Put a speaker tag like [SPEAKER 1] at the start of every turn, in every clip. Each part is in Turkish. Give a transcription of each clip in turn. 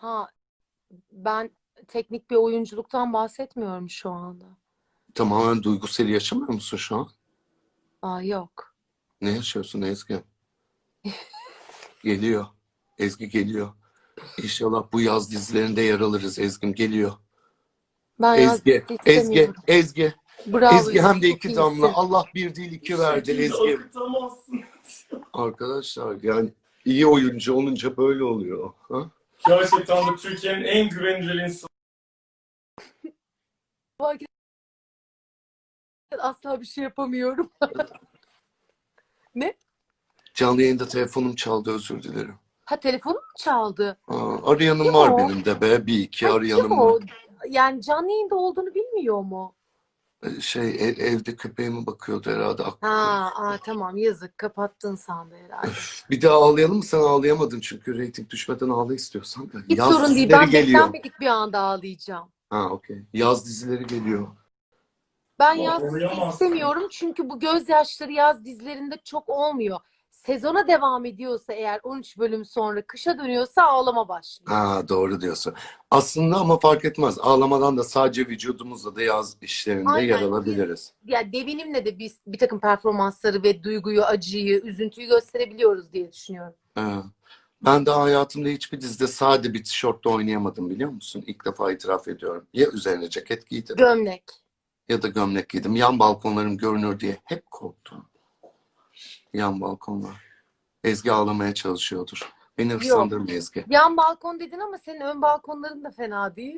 [SPEAKER 1] Ha, ben teknik bir oyunculuktan bahsetmiyorum şu anda.
[SPEAKER 2] Tamamen duygusal yaşamıyor musun şu an?
[SPEAKER 1] Aa, yok.
[SPEAKER 2] Ne yaşıyorsun Ezgi? Geliyor. Ezgi geliyor. İnşallah bu yaz dizilerinde yer alırız. Ezgi'm geliyor.
[SPEAKER 1] Ben yaz
[SPEAKER 2] Ezgi,
[SPEAKER 1] dizisi
[SPEAKER 2] Ezgi,
[SPEAKER 1] istemiyorum.
[SPEAKER 2] Ezgi.
[SPEAKER 1] Bravo,
[SPEAKER 2] Ezgi hem
[SPEAKER 1] Yusuf,
[SPEAKER 2] de
[SPEAKER 1] çok
[SPEAKER 2] 2 damla.
[SPEAKER 1] iyisin.
[SPEAKER 2] Allah bir değil iki verdi
[SPEAKER 3] Şekilde
[SPEAKER 2] Ezgi.
[SPEAKER 3] akıtamazsın.
[SPEAKER 2] Arkadaşlar yani iyi oyuncu olunca böyle oluyor. Ha?
[SPEAKER 3] Gerçekten de Türkiye'nin en güvenilir insanı.
[SPEAKER 1] Asla bir şey yapamıyorum. Ne?
[SPEAKER 2] Canlı yayında telefonum çaldı, özür dilerim.
[SPEAKER 1] Ha, telefonum mu çaldı?
[SPEAKER 2] Arayanım
[SPEAKER 1] Kim
[SPEAKER 2] var
[SPEAKER 1] o?
[SPEAKER 2] benim de be. Bir iki
[SPEAKER 1] Ay, kim
[SPEAKER 2] arayanım var.
[SPEAKER 1] o? Yani canlı yayında olduğunu bilmiyor mu?
[SPEAKER 2] Evde köpeğime bakıyordu herhalde, aklı
[SPEAKER 1] Ha,
[SPEAKER 2] karıştı.
[SPEAKER 1] tamam, yazık, kapattın sandı herhalde.
[SPEAKER 2] Bir daha ağlayalım mı? Sen ağlayamadın çünkü reyting düşmeden ağla istiyorsan.
[SPEAKER 1] Hiç
[SPEAKER 2] Yaz
[SPEAKER 1] sorun değil.
[SPEAKER 2] dizileri
[SPEAKER 1] Ben
[SPEAKER 2] geliyor.
[SPEAKER 1] beklenmedik bir anda ağlayacağım.
[SPEAKER 2] Ha, okey. Yaz dizileri geliyor.
[SPEAKER 1] Ben
[SPEAKER 3] Ama
[SPEAKER 1] yaz dizisi
[SPEAKER 3] koruyamazsın.
[SPEAKER 1] istemiyorum çünkü bu gözyaşları yaz dizilerinde çok olmuyor. Sezona devam ediyorsa eğer 13 bölüm sonra kışa dönüyorsa ağlama başlıyor.
[SPEAKER 2] Ha, doğru diyorsun. Aslında ama fark etmez. Ağlamadan da sadece vücudumuzla da yaz işlerinde yer
[SPEAKER 1] Aynen.
[SPEAKER 2] alabiliriz.
[SPEAKER 1] Ya devinimle de biz bir takım performansları ve duyguyu, acıyı, üzüntüyü gösterebiliyoruz diye düşünüyorum.
[SPEAKER 2] Ha. Ben daha hayatımda hiçbir dizide sade bir tişörtle oynayamadım, biliyor musun? İlk defa itiraf ediyorum. Ya üzerine ceket giydim
[SPEAKER 1] Gömlek.
[SPEAKER 2] ya da gömlek giydim. Yan balkonlarım görünür diye hep korktum. Yan balkonlar. Ezgi ağlamaya çalışıyordur. Beni
[SPEAKER 1] Yok.
[SPEAKER 2] hırslandırma Ezgi.
[SPEAKER 1] Yan balkon dedin ama senin ön balkonların da fena değil.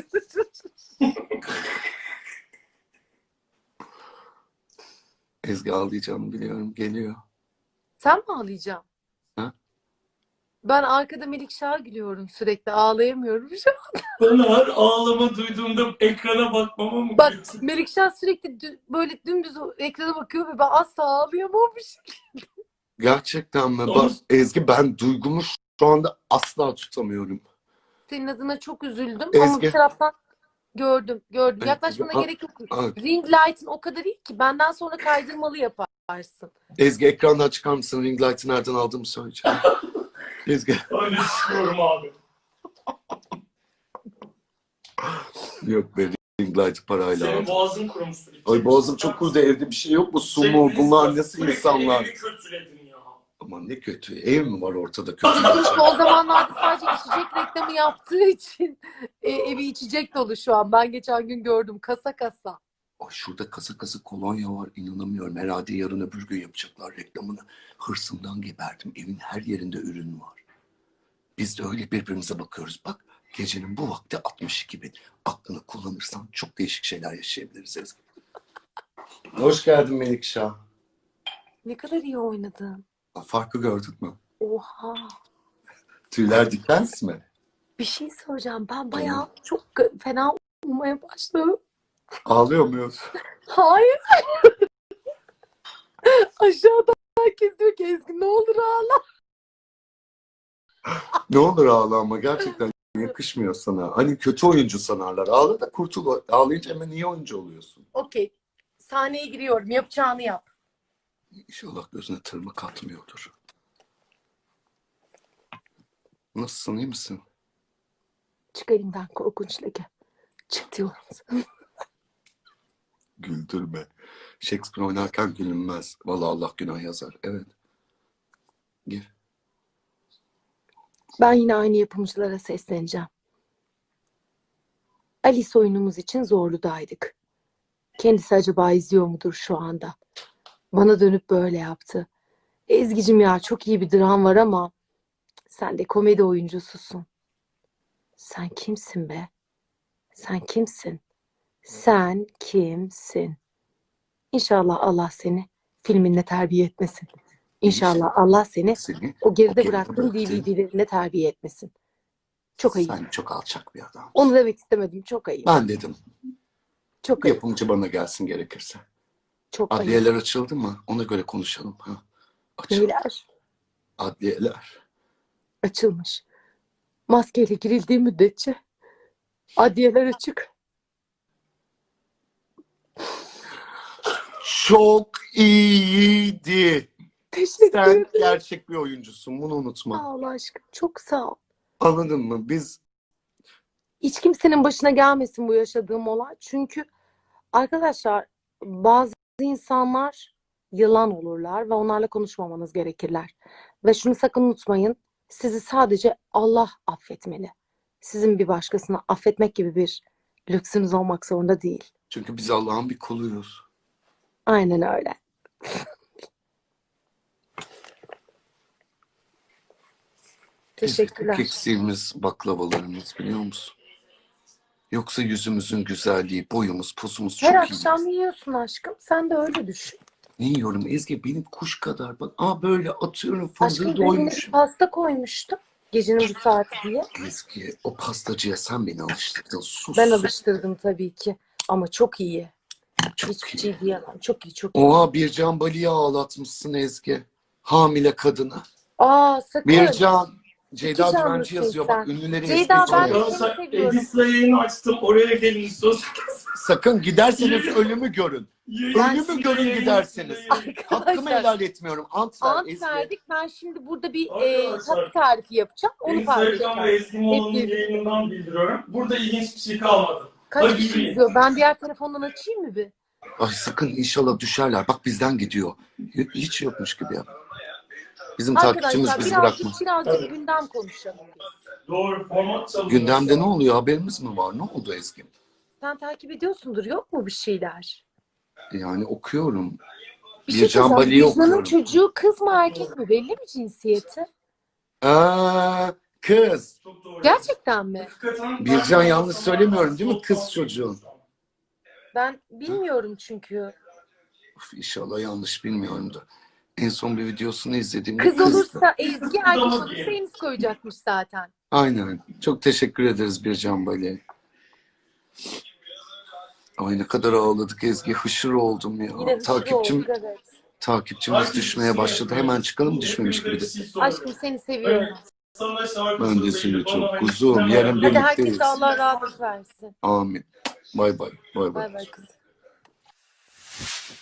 [SPEAKER 2] Ezgi ağlayacağını biliyorum. Geliyor.
[SPEAKER 1] Sen mi ağlayacaksın?
[SPEAKER 2] Ha?
[SPEAKER 1] Ben arkada Melikşah'a gülüyorum sürekli. Ağlayamıyorum şu an.
[SPEAKER 3] Ben her ağlama duyduğumda ekrana bakmama mı
[SPEAKER 1] Bak,
[SPEAKER 3] gülüyorsun?
[SPEAKER 1] Melikşah sürekli böyle dümdüz ekrana bakıyor ve ben asla ağlayamamışım.
[SPEAKER 2] Gerçekten mi?
[SPEAKER 3] Ama
[SPEAKER 2] Bak Ezgi, ben duygumu şu anda asla tutamıyorum.
[SPEAKER 1] Senin adına çok üzüldüm ama bir
[SPEAKER 2] Ezgi.
[SPEAKER 1] taraftan gördüm.
[SPEAKER 2] Ezgi.
[SPEAKER 1] Yaklaşmana gerek yok. Ring light'ın o kadar iyi ki benden sonra kaydırmalı yaparsın.
[SPEAKER 2] Ezgi, ekrandan çıkar mısın? Ring light'ı nereden aldığımı söyleyeceğim. Ezgi.
[SPEAKER 3] öyle düşünüyorum abi.
[SPEAKER 2] Yok be, ring light'ı parayla
[SPEAKER 3] Senin
[SPEAKER 2] aldım.
[SPEAKER 3] boğazın kurumuştur.
[SPEAKER 2] Ay, boğazım çok kurudu, evde bir şey yok mu? Su mu? Bunlar nasıl insanlar?
[SPEAKER 3] Evi kötüledin ya.
[SPEAKER 2] Aman ne kötü. Ev mi var ortada kötü?
[SPEAKER 1] Son zamanlarda sadece içecek reklamı yaptığı için evi içecek dolu şu an. Ben geçen gün gördüm kasa kasa.
[SPEAKER 2] Ay, şurada kasa kasa kolonya var. İnanamıyorum. Herhalde yarın öbür gün yapacaklar reklamını. Hırsımdan geberdim. Evin her yerinde ürün var. Biz de öyle birbirimize bakıyoruz. Bak, gecenin bu vakti 62 bin. Aklını kullanırsan çok değişik şeyler yaşayabiliriz Ezgi. Hoş geldin Melikşah.
[SPEAKER 1] Ne kadar iyi oynadın.
[SPEAKER 2] Farkı gördün mü?
[SPEAKER 1] Oha.
[SPEAKER 2] Tüyler dikens mi?
[SPEAKER 1] Bir şey söyleyeceğim. Ben bayağı çok fena olmaya başladım.
[SPEAKER 2] Ağlıyor muyuz?
[SPEAKER 1] Hayır. Aşağıda herkes diyor ki Ezgi ne olur ağla.
[SPEAKER 2] Ne olur ağla ama gerçekten yakışmıyor sana. Hani kötü oyuncu sanarlar. Ağla da kurtul. Ağlayınca hemen iyi oyuncu oluyorsun.
[SPEAKER 1] Okey. Sahneye giriyorum. Yapacağını yap.
[SPEAKER 2] İnşallah gözüne tırmık atmıyordur. Nasılsın, iyi misin?
[SPEAKER 1] Çık elimden korkunç leke. Çık diyorum sana.
[SPEAKER 2] Güldürme. Shakespeare oynarken gülünmez. Vallahi Allah günah yazar. Evet. Gir.
[SPEAKER 1] Ben yine aynı yapımcılara sesleneceğim. Alice oyunumuz için Zorlu'daydık. Kendisi acaba izliyor mudur şu anda? Bana dönüp böyle yaptı. Ezgi'cim ya çok iyi bir dram var ama sen de komedi oyuncususun. Sen kimsin be? Sen kimsin? Sen kimsin? İnşallah Allah seni filminle terbiye etmesin. İnşallah Allah seni
[SPEAKER 2] Seni
[SPEAKER 1] o geride
[SPEAKER 2] geride
[SPEAKER 1] bıraktığın
[SPEAKER 2] bıraktığın-
[SPEAKER 1] DVD'lerine terbiye etmesin. Çok ayıp.
[SPEAKER 2] Sen çok alçak bir adam.
[SPEAKER 1] Onu demek istemedim. Çok ayıp.
[SPEAKER 2] Ben dedim.
[SPEAKER 1] Çok ayıp.
[SPEAKER 2] Yapımcı bana gelsin gerekirse.
[SPEAKER 1] Çok ayıp.
[SPEAKER 2] Adliyeler açıldı mı? Ona göre konuşalım. Ha. Açıldı.
[SPEAKER 1] Neyler?
[SPEAKER 2] Adliyeler.
[SPEAKER 1] Açılmış. Maskeyle girildiği müddetçe adliyeler açık.
[SPEAKER 2] Çok iyiydi.
[SPEAKER 1] Teşekkür
[SPEAKER 2] Sen
[SPEAKER 1] ederim.
[SPEAKER 2] gerçek bir oyuncusun. Bunu unutma.
[SPEAKER 1] Sağ ol aşkım. Çok sağ ol.
[SPEAKER 2] Anladın mı? Biz
[SPEAKER 1] Hiç kimsenin başına gelmesin bu yaşadığım olay. Çünkü arkadaşlar bazı insanlar yılan olurlar ve onlarla konuşmamanız gerekirler. Ve şunu sakın unutmayın. Sizi sadece Allah affetmeli. Sizin bir başkasını affetmek gibi bir lüksünüz olmak zorunda değil.
[SPEAKER 2] Çünkü biz Allah'ın bir kuluyuz.
[SPEAKER 1] Aynen öyle. Teşekkürler.
[SPEAKER 2] Tek eksiğimiz baklavalarımız, biliyor musun? Yoksa yüzümüzün güzelliği, boyumuz, posumuz çok
[SPEAKER 1] Her
[SPEAKER 2] iyi.
[SPEAKER 1] akşam yiyorsun aşkım. Sen de öyle düşün.
[SPEAKER 2] Ne yiyorum Ezgi? Benim kuş kadar. Bak, böyle atıyorum,
[SPEAKER 1] Aşkım
[SPEAKER 2] fındığı
[SPEAKER 1] önüne bir
[SPEAKER 2] doymuşum.
[SPEAKER 1] pasta koymuştum. Gecenin bu saati diye.
[SPEAKER 2] Ezgi, o pastacıya sen beni alıştırdın. Sus.
[SPEAKER 1] Ben alıştırdım tabii ki. Ama çok iyi.
[SPEAKER 2] Çok
[SPEAKER 1] Hiçbir
[SPEAKER 2] iyi.
[SPEAKER 1] şey diyemem. Çok iyi, çok iyi.
[SPEAKER 2] Oha, Bircan Bali'yi ağlatmışsın Ezgi. Hamile kadına.
[SPEAKER 1] Aa sakın.
[SPEAKER 2] Bircan. Ceyda
[SPEAKER 1] İki
[SPEAKER 2] Düvenci
[SPEAKER 1] canlısın
[SPEAKER 2] yazıyor.
[SPEAKER 1] sen.
[SPEAKER 2] Bak, ünlüleri
[SPEAKER 1] Ceyda,
[SPEAKER 2] ezmeye
[SPEAKER 1] ben de
[SPEAKER 2] çalışıyor.
[SPEAKER 1] seni
[SPEAKER 3] Arkadaşlar
[SPEAKER 1] seviyorum.
[SPEAKER 3] Edis'le yayını açtım. Oraya gelin sus.
[SPEAKER 2] Sakın giderseniz ölümü görün. Ölümü
[SPEAKER 3] Yayın-
[SPEAKER 2] görün
[SPEAKER 3] yayın-
[SPEAKER 2] giderseniz.
[SPEAKER 3] yayın-
[SPEAKER 2] Hakkımı
[SPEAKER 1] Arkadaşlar,
[SPEAKER 2] helal etmiyorum. Ant ver
[SPEAKER 1] ant
[SPEAKER 2] Ezgi.
[SPEAKER 1] verdik. Ben şimdi burada bir
[SPEAKER 3] Arkadaşlar,
[SPEAKER 1] tatlı tarifi yapacağım. Onu
[SPEAKER 3] Instagram ve
[SPEAKER 1] paylaşacağım.
[SPEAKER 3] Ezgi Mola'nın
[SPEAKER 1] Hep birlikte.
[SPEAKER 3] yayınından bildiriyorum. Burada ilginç bir şey kalmadı.
[SPEAKER 1] Kaç
[SPEAKER 3] Hadi
[SPEAKER 1] kişi
[SPEAKER 3] yürüyün.
[SPEAKER 1] izliyor? Ben diğer telefondan açayım mı bir?
[SPEAKER 2] Ay sakın, inşallah düşerler. Bak, bizden gidiyor. Hiç yokmuş gibi ya. Bizim takipçimiz
[SPEAKER 1] Arkadaşlar
[SPEAKER 2] bizi bırakmaz.
[SPEAKER 1] birazcık gündem konuşalım biz.
[SPEAKER 3] Doğru format çalışıyor.
[SPEAKER 2] Gündemde ne oluyor? Haberimiz mi var? Ne oldu Ezgi?
[SPEAKER 1] Sen takip ediyorsundur. Yok mu bir şeyler?
[SPEAKER 2] Yani okuyorum.
[SPEAKER 1] Bir şey
[SPEAKER 2] Bircan
[SPEAKER 1] söyleyeceğim.
[SPEAKER 2] Bali'yi
[SPEAKER 1] Bircan'ın
[SPEAKER 2] okuyorum.
[SPEAKER 1] çocuğu kız mı erkek mi? Belli mi cinsiyeti?
[SPEAKER 2] Kız.
[SPEAKER 3] Çok doğru.
[SPEAKER 1] Gerçekten mi?
[SPEAKER 3] Hakikaten
[SPEAKER 2] Bircan
[SPEAKER 3] ben-
[SPEAKER 2] yanlış söylemiyorum değil mi? Kız çocuğu.
[SPEAKER 1] Ben bilmiyorum çünkü.
[SPEAKER 2] Uf, İnşallah yanlış bilmiyorum da. En son bir videosunu izlediğimde
[SPEAKER 1] Kız
[SPEAKER 2] kızdı.
[SPEAKER 1] olursa Ezgi, erkek olursa Enis koyacakmış zaten.
[SPEAKER 2] Aynen. Çok teşekkür ederiz Bircan Bali. Ay, ne kadar ağladık Ezgi. Hışır oldum ya.
[SPEAKER 1] Yine hızlı olduk, evet.
[SPEAKER 2] Takipçimiz düşmeye başladı. Hemen çıkalım, düşmemiş gibi de.
[SPEAKER 1] Aşkım seni seviyorum.
[SPEAKER 3] Sana şarkı
[SPEAKER 2] Ben de
[SPEAKER 3] söyleyip
[SPEAKER 2] seni
[SPEAKER 3] bana
[SPEAKER 2] çok kuzum.
[SPEAKER 3] istemem.
[SPEAKER 2] Yarın
[SPEAKER 1] Hadi
[SPEAKER 2] birlikteyiz.
[SPEAKER 1] herkese Allah rahatlık versin.
[SPEAKER 2] Amin. Bay bay. Bay bay.
[SPEAKER 1] Bay bay kızım.